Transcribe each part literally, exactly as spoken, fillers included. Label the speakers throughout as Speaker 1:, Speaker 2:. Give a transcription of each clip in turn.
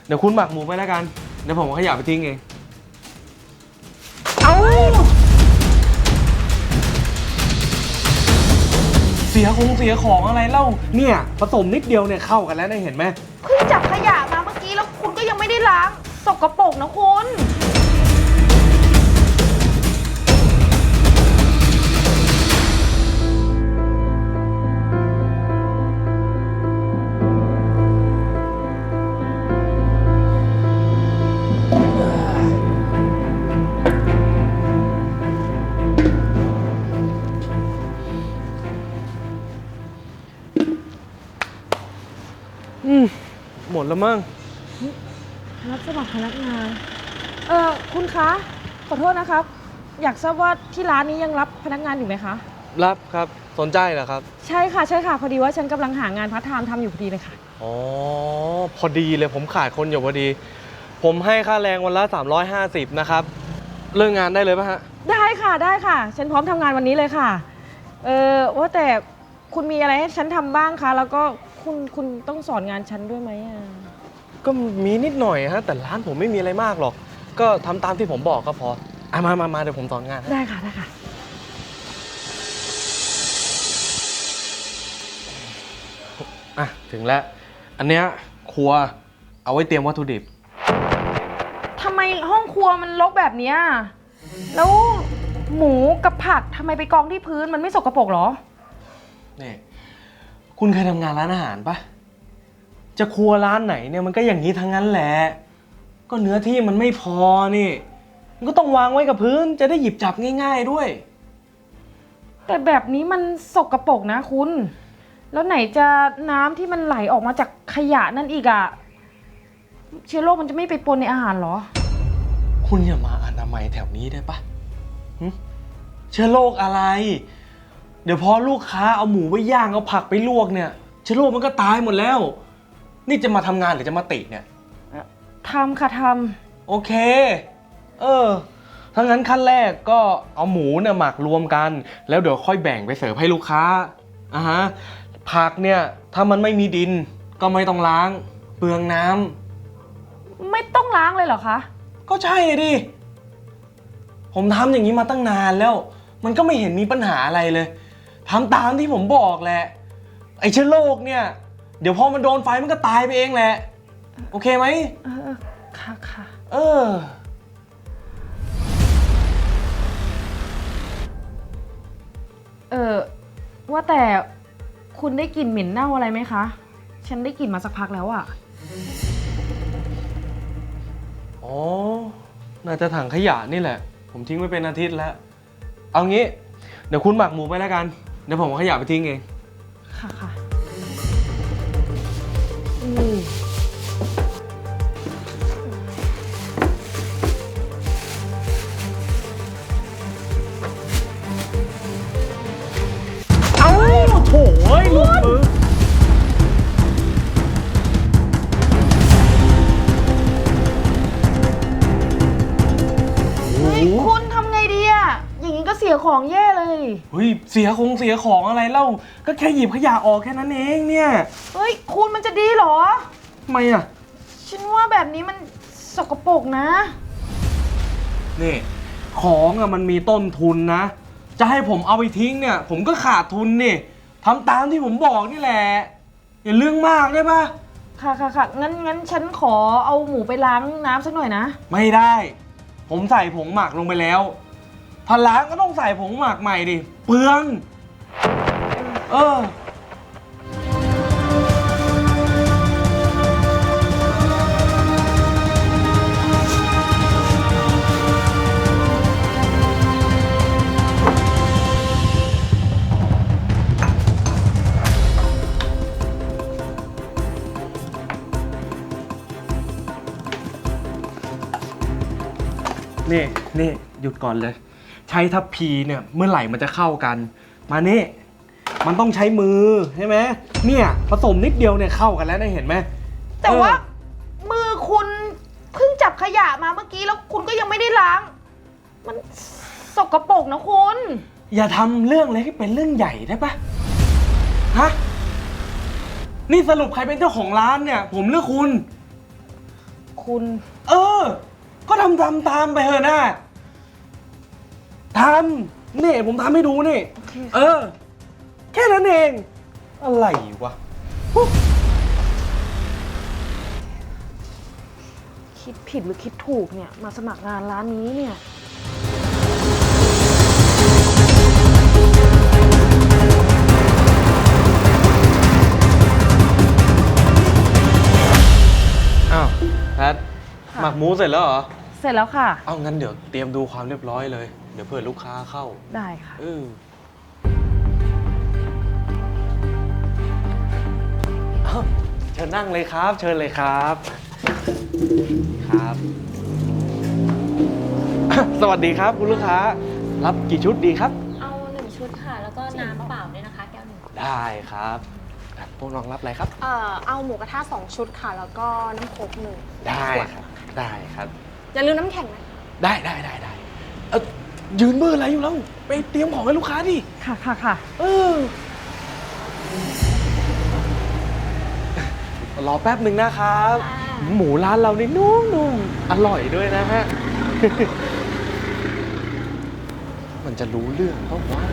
Speaker 1: เดี๋ยวคุณหมักหมูไปแล้วกันเดี๋ยวผมเอาขยะไปทิ้งเอง
Speaker 2: เอา
Speaker 1: เสียคงเสียของอะไรเล่าเนี่ยผสมนิดเดียวเนี่ยเข้ากันแล้วนะเห็นไหม
Speaker 2: เพิ่งจับขยะมาเมื่อกี้แล้วคุณก็ยังไม่ได้ล้างสกปรกนะคุณ
Speaker 1: อืมหมดแล้วมั้ง
Speaker 2: รับสมัครพนักงานเออคุณคะขอโทษนะครับอยากทราบว่าที่ร้านนี้ยังรับพนักงานอยู่ไหมคะ
Speaker 1: รับครับสนใจเหรอครับ
Speaker 2: ใช่ค่ะใช่ค่ะพอดีว่าฉันกำลังหางานพาร์ทไทม์ทำอยู่พอดีเลยค่ะ
Speaker 1: อ๋อพอดีเลยผมขาดคนอยู่พอดีผมให้ค่าแรงวันละสามร้อยห้าสิบนะครับเริ่มงานได้เลยป่ะฮะ
Speaker 2: ได้ค่ะได้ค่ะฉันพร้อมทำงานวันนี้เลยค่ะเออว่าแต่คุณมีอะไรให้ฉันทำบ้างคะแล้วก็คุณคุณต้องสอนงานฉันด้วยไหมอ่ะ
Speaker 1: ก็มีนิดหน่อยฮะแต่ร้านผมไม่มีอะไรมากหรอกก็ทำตามที่ผมบอกก็พออ่ะมามามาเดี๋ยวผมสอนงาน
Speaker 2: ได้ค่ะได้ค่ะ
Speaker 1: อ่ะถึงแล้วอันเนี้ยครัวเอาไว้เตรียมวัตถุดิบ
Speaker 2: ทำไมห้องครัวมันรกแบบเนี้ยแล้วหมูกับผักทำไมไปกองที่พื้นมันไม่สกปรกหรอ
Speaker 1: นี่คุณเคยทำงานร้านอาหารปะจะครัวร้านไหนเนี่ยมันก็อย่างนี้ทั้งนั้นแหละก็เนื้อที่มันไม่พอนี่มันก็ต้องวางไว้กับพื้นจะได้หยิบจับง่ายๆด้วย
Speaker 2: แต่แบบนี้มันสกปรกนะคุณแล้วไหนจะน้ำที่มันไหลออกมาจากขยะนั่นอีกอะเชื้อโรคมันจะไม่ไปปนในอาหารหรอ
Speaker 1: คุณอย่ามาอนามัยแถวนี้ได้ปะเชื้อโรคอะไรเดี๋ยวพอลูกค้าเอาหมูไปย่างเอาผักไปลวกเนี่ยเชื้อโรคมันก็ตายหมดแล้วนี่จะมาทำงานหรือจะมาติเนี่ย
Speaker 2: ทำค่ะท
Speaker 1: ำโอเคเออถ้างั้นขั้นแรกก็เอาหมูเนี่ยหมักรวมกันแล้วเดี๋ยวค่อยแบ่งไปเสิร์ฟให้ลูกค้าอ่ะฮะผักเนี่ยถ้ามันไม่มีดินก็ไม่ต้องล้างเปลืองน้
Speaker 2: ำไม่ต้องล้างเลยเหรอคะ
Speaker 1: ก็ใช่ดิผมทำอย่างนี้มาตั้งนานแล้วมันก็ไม่เห็นมีปัญหาอะไรเลยทำตามที่ผมบอกแหละไอ้เชื้อโรคเนี่ยเดี๋ยวพอมันโดนไฟมันก็ตายไปเองแหละโอเคไหม
Speaker 2: เออค่ะค่ะ
Speaker 1: เออ
Speaker 2: เออว่าแต่คุณได้กลิ่นเหม็นเน่าอะไรไหมคะฉันได้กลิ่นมาสักพักแล้วอะ
Speaker 1: อ๋อน่าจะถังขยะนี่แหละผมทิ้งไว้เป็นอาทิตย์แล้วเอางี้เดี๋ยวคุณหมักหมูไปแล้วกันเดี๋ยวผมเอาขยะไปทิ้งเอง
Speaker 2: ค่ะค่ะ
Speaker 1: เอาโถ่เอ้ยลุกมือ
Speaker 2: คุณทำไงดีอะอย่างนี้ก็เสียของแย่เลย
Speaker 1: เฮ้ยเสียคงเสียของอะไรเล่าก็แค่หยิบขยะออกแค่นั้นเองเนี่ย
Speaker 2: เฮ้ยคุณมันจะดีเหรอ
Speaker 1: ทำไมอ่ะ
Speaker 2: ฉันว่าแบบนี้มันสกปรกนะ
Speaker 1: นี่ของอะมันมีต้นทุนนะจะให้ผมเอาไปทิ้งเนี่ยผมก็ขาดทุนนี่ทำตามที่ผมบอกนี่แหละอย่าเรื่องมากได้ปะ
Speaker 2: ค่ะค่ะค่ะงั้นงั้นฉันขอเอาหมูไปล้างน้ำสักหน่อยนะ
Speaker 1: ไม่ได้ผมใส่ผงหมักลงไปแล้วถ้าล้างก็ต้องใส่ผงหมักใหม่ดิเปลืองเออนี่นี่หยุดก่อนเลยใช้ทัพพีเนี่ยเมื่อไหร่มันจะเข้ากันมานี่มันต้องใช้มือใช่ไหมเนี่ยผสมนิดเดียวเนี่ยเข้ากันแล้วได้เห็นไหม
Speaker 2: แต่ว่ามือคุณเพิ่งจับขยะมาเมื่อกี้แล้วคุณก็ยังไม่ได้ล้างมันสกปรกนะคุณ
Speaker 1: อย่าทำเรื่องเล็กให้เป็นเรื่องใหญ่ได้ปะฮะนี่สรุปใครเป็นเจ้าของร้านเนี่ยผมหรือคุณ
Speaker 2: คุณ
Speaker 1: เออ ก็ทำทำตามไปเถอะนะทำนี่ผมทำให้ดูนี่
Speaker 2: โอเค
Speaker 1: เออ แค่นั้นเอง อะไรวะ
Speaker 2: คิดผิดหรือคิดถูกเนี่ย มาสมัครงานร้านนี้เนี่ย
Speaker 1: อ้าวแพท
Speaker 2: ค่ะ
Speaker 1: หมักหมูเสร็จแล้วเหรอ
Speaker 2: เสร็จแล้วค่ะ
Speaker 1: เอางั้นเดี๋ยวเตรียมดูความเรียบร้อยเลย เดี๋ยวเผื่อลูกค้าเข้า
Speaker 2: ได้ค่ะ
Speaker 1: เอออ้าวเชิญนั่งเลยครับ เชิญเลยครับ ครับ สวัสดีครับคุณลูกค้า รับกี่ชุดดีครับ
Speaker 3: เอาหนึ่งชุดค่ะ แล้วก็น้ำเปล่าด้วยนะคะ แก้วหนึ่ง
Speaker 1: ได้ครับอ่ะพวกน้องรับอะไรครับ
Speaker 4: เอ่อเอาหมูกระทะสองชุดค่ะ แล้วก็น้ำโค้กหนึ่ง
Speaker 1: ได้ครับ ได้ครับ
Speaker 4: อย่าลืมน้ำแข็งนะ
Speaker 1: ได้ได้ได้ได้เออยืนเบอร์อะไรอยู่แล้ว ไปเตรียมของให้ลูกค้าดิ
Speaker 2: ค่ะค่ะค่ะ
Speaker 1: เออ รอแป๊บหนึ่งนะครับ หมูร้านเรานี่นุ่มๆ อร่อยด้วยนะฮะ มันจะรู้เรื่องเพราะว่า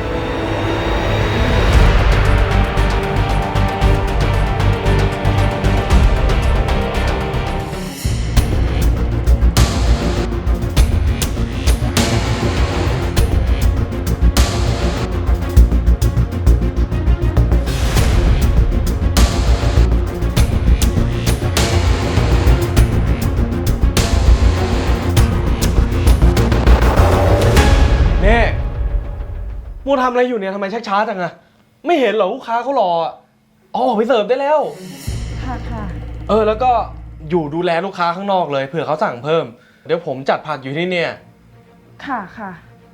Speaker 1: เนี่ยมูทำอะไรอยู่เนี่ยทำไมช้าๆจังอะไม่เห็นเหรอลูกค้าเขารออะอ๋อไปเสิร์ฟได้แล้ว
Speaker 2: ค่ะค่ะ
Speaker 1: เออแล้วก็อยู่ดูแลลูกค้าข้างนอกเลยเผื่อเขาสั่งเพิ่ม เดี๋ยวผมจัดผักอยู่ที่เนี่ย
Speaker 2: ค่ะค่ะ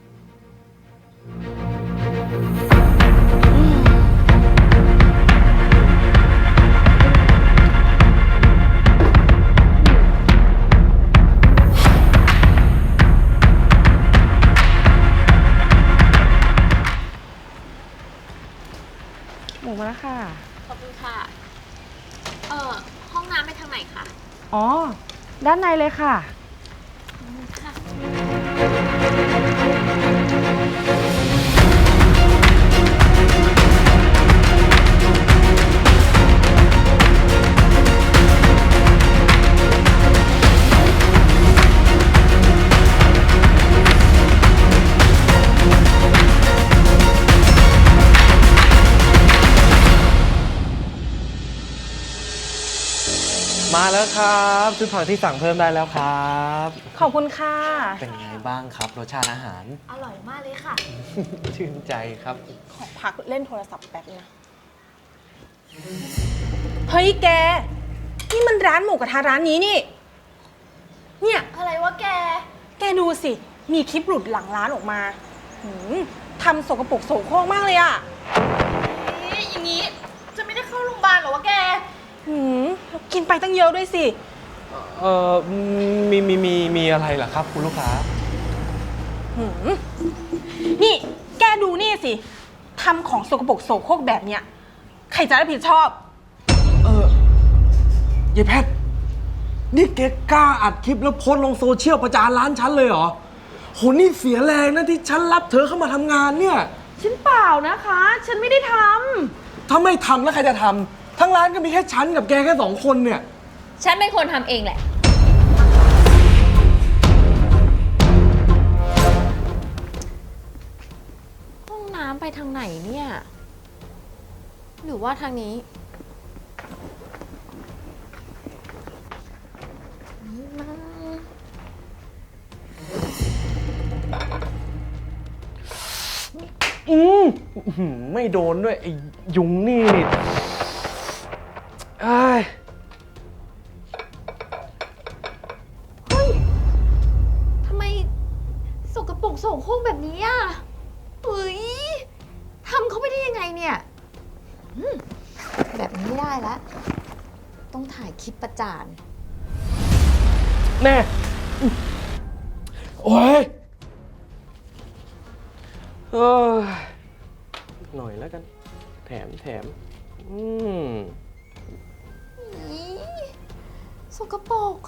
Speaker 2: หมูมาแล้วค่ะ
Speaker 3: ขอบคุณค่ะ เอ่อ ห้องน้ำไปทางไหนคะ
Speaker 2: อ๋อ ด้านในเลยค่ะ
Speaker 3: ค่ะ
Speaker 1: มาแล้วครับชุดผักที่สั่งเพิ่มได้แล้วครับ
Speaker 4: ขอบคุณค่ะ
Speaker 1: เป็นไงบ้างครับรสชาติอาหาร
Speaker 3: อร่อยมากเลยค่ะ
Speaker 1: ชื่นใจครับ
Speaker 4: ขอพักเล่นโทรศัพท์แป๊บนะ เฮ้ยแก นี่มันร้านหมูกระทะร้านนี้นี่ เนี่ย
Speaker 3: อะไรวะแก
Speaker 4: แกดูสิ มีคลิปหลุดหลังร้านออกมาหืมทำสกปรกโสโครกมากเลยอะ
Speaker 3: เอ๊ะอย่างนี้ จะไม่ได้เข้าโรงพยาบาลเหรอวะแก
Speaker 4: หืมแล้วกินไปตั้งเยอะด้วยสิ
Speaker 1: เออมีมีมีมีอะไรเหรอครับคุณลูกค้า
Speaker 4: หืมนี่แกดูนี่สิ ทำของสกปรกโสโครกแบบเนี้ย ใครจะรับผิดชอบ
Speaker 1: เออยายแพทย์นี่แกกล้าอัดคลิปแล้วโพสต์ลงโซเชียลประจานร้านฉันเลยเหรอโหนี่เสียแรงนะที่ฉันรับเธอเข้ามาทำงานเนี่ย
Speaker 2: ฉันเปล่านะคะ ฉันไม่ได้ท
Speaker 1: ถ้าไม่ทำแล้วใครจะทำทั้งร้านก็มีแค่ฉันกับแกแค่สองคนเนี่ย
Speaker 3: ฉันเป็นคนทำเองแหละ ห้องน้ำไปทางไหนเนี่ย หรือว่าทางนี้นี่มา
Speaker 1: อืมอื้อหือไม่โดนด้วยไอ้ยุงนี่นี่อ้าย
Speaker 3: เฮ้ย ทำไมสกปรกโสโครกแบบนี้อ่ะเฮ้ย ทำเขาไปได้ยังไงเนี่ยอืมแบบนี้ไม่ได้แล้ว ต้องถ่ายคลิปประจาน
Speaker 1: แน่โอ้ยเออหน่อยแล้วกัน แถมแถมอืม
Speaker 3: อีสกปรก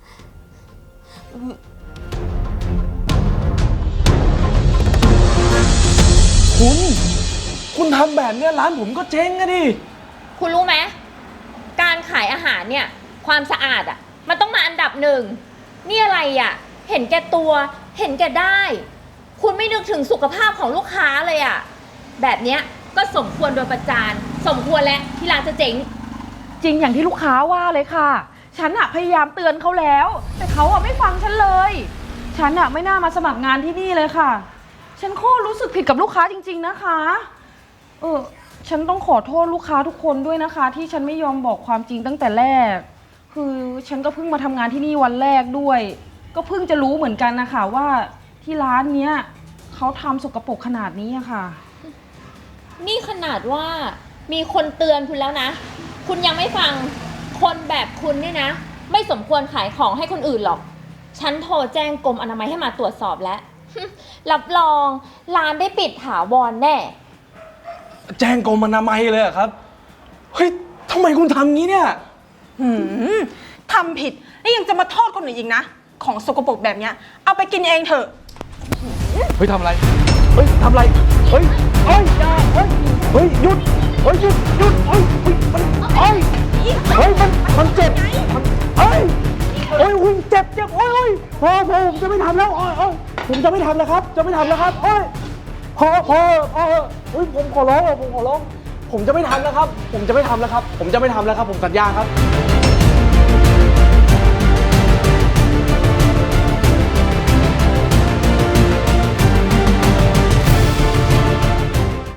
Speaker 1: คุณ คุณทำแบบเนี้ยร้านผมก็เจ๊งอะดิ
Speaker 3: คุณรู้ไหมการขายอาหารเนี่ยความสะอาดอ่ะมันต้องมาอันดับหนึ่งนี่อะไรอ่ะเห็นแก่ตัวเห็นแก่ได้ คุณไม่นึกถึงสุขภาพของลูกค้าเลยอ่ะแบบเนี้ยก็สมควรโดนประจานสมควรแล้วที่ร้านจะเจ๊ง
Speaker 2: จริงอย่างที่ลูกค้าว่าเลยค่ะ ฉันอะพยายามเตือนเขาแล้ว แต่เขาอะไม่ฟังฉันเลย ฉันอะไม่น่ามาสมัครงานที่นี่เลยค่ะ ฉันโคตรรู้สึกผิดกับลูกค้าจริงๆนะคะ เออ ฉันต้องขอโทษลูกค้าทุกคนด้วยนะคะ ที่ฉันไม่ยอมบอกความจริงตั้งแต่แรก คือฉันก็เพิ่งมาทำงานที่นี่วันแรกด้วย ก็เพิ่งจะรู้เหมือนกันนะคะว่าที่ร้านเนี้ยเขาทำสกปรกขนาดนี้อะค่ะ
Speaker 3: นี่ขนาดว่ามีคนเตือนคุณแล้วนะ คุณยังไม่ฟังคนแบบคุณเนี่ยนะ ไม่สมควรขายของให้คนอื่นหรอก ฉันโทรแจ้งกรมอนามัยให้มาตรวจสอบแล้ว รับรองร้านได้ปิดถาวรแน่
Speaker 1: แจ้งกรมอนามัยเลยเหรอครับ เฮ้ยทำไมคุณทำงี้เนี่ย
Speaker 4: หืมทำผิดแล้วยังจะมาโทษคนอื่นอีกนะ ของสกปรกแบบเนี้ยเอาไปกินเองเถอะ
Speaker 1: เฮ้ยทำอะไร เฮ้ยทำอะไร เฮ้ย เฮ้ยอย่าเฮ้ย เฮ้ยหยุด เฮ้ยหยุดหยุดเฮ้ยเฮ้ยมันเฮ้ย เฮ้ยมันมันเจ็บมันเฮ้ยโอ้ยอุ้ยเจ็บเจ็บโอ้ยโอ้ยพอพอผมจะไม่ทำแล้วโอ้ยโอ้ยผมจะไม่ทำแล้วครับ จะไม่ทำแล้วครับโอ้ยพอพอพอเฮ้ยผมขอร้องผมขอร้อง ผมจะไม่ทำแล้วครับ ผมจะไม่ทำแล้วครับ ผมจะไม่ทำแล้วครับ ผมสัญญาครับ